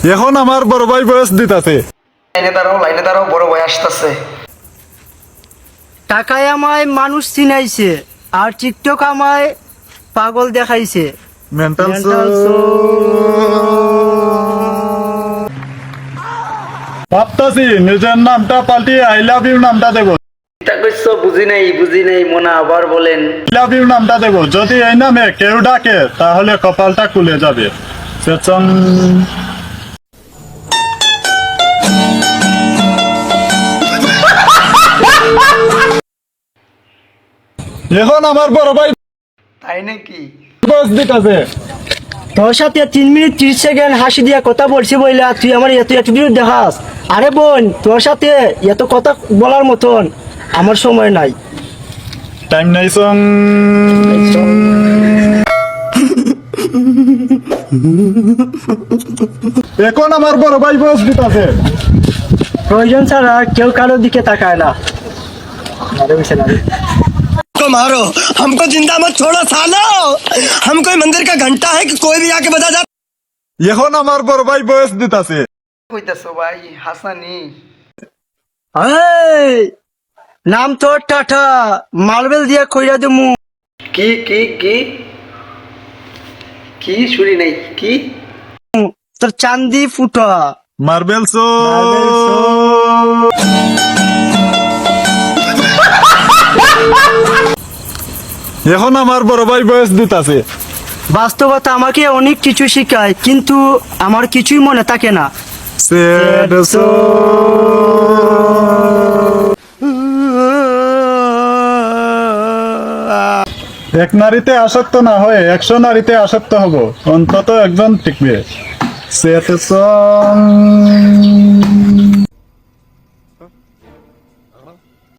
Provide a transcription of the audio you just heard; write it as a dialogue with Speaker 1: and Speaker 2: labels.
Speaker 1: এখন আমার বড় ভাই বয়স দিতাছে।
Speaker 2: লাইনে দাঁড়াও বড় ভাই আসতেছে।
Speaker 3: টাকায় আমায় মানুষ চিনাইছে আর টিকটক আমায় পাগল দেখাইছে।
Speaker 1: মেন্টাল ভাবতাছি নিজের নামটা পাল্টিয়ে আই লাভ ইউ নামটা দেবো।
Speaker 2: বুঝি নাই মোনা আবার বলেন।
Speaker 1: আই লাভ ইউ নামটা দেবো, যদি এই নামে কেউ ডাকে তাহলে কপালটা খুলে যাবে। সেচন এখন আমার বড় ভাই
Speaker 2: তাই নাকি?
Speaker 1: বয়স দিতাছে।
Speaker 3: তোর সাথে 3 মিনিট 30 সেকেন্ড হাসি দিয়া কথা বলছি বইলা তুই আমার এত দূর দেখাস। আরে বোন, তোর সাথে এত কথা বলার মতন আমার সময় নাই।
Speaker 1: টাইম নাই সং। এখন আমার বড় ভাই বয়স দিতাছে।
Speaker 3: প্রয়োজন ছাড়া কেউ কারোর দিকে তাকায় না। আরে বিশাল আরে।
Speaker 4: को मारो, हमको जिंदा मत छोड़ो सालो। हम कोई मंदिर का घंटा है कि कोई भी आके बजा जा।
Speaker 1: এখন আমার বড় ভাই বয়স দিতাছে।
Speaker 2: কইতাছো ভাই হাসানি?
Speaker 3: এই নাম তোর টাটা, মার্বেল দিয়া কইরা দেমু।
Speaker 2: কি কি কি কি শুনি নাই কি?
Speaker 3: তোর চান্দি ফুটা।
Speaker 1: মার্বেল সো। এখন আমার বড় ভাই বয়স দিতাছে।
Speaker 3: বাস্তবতা আমাকে অনেক কিছু শেখায়, কিন্তু আমার কিছুই মনে থাকে না।
Speaker 1: Sad এক নারীতে আসক্ত না হয়ে 100 নারীতে আসক্ত হব, অন্তত একজন টিকবে। Sad song.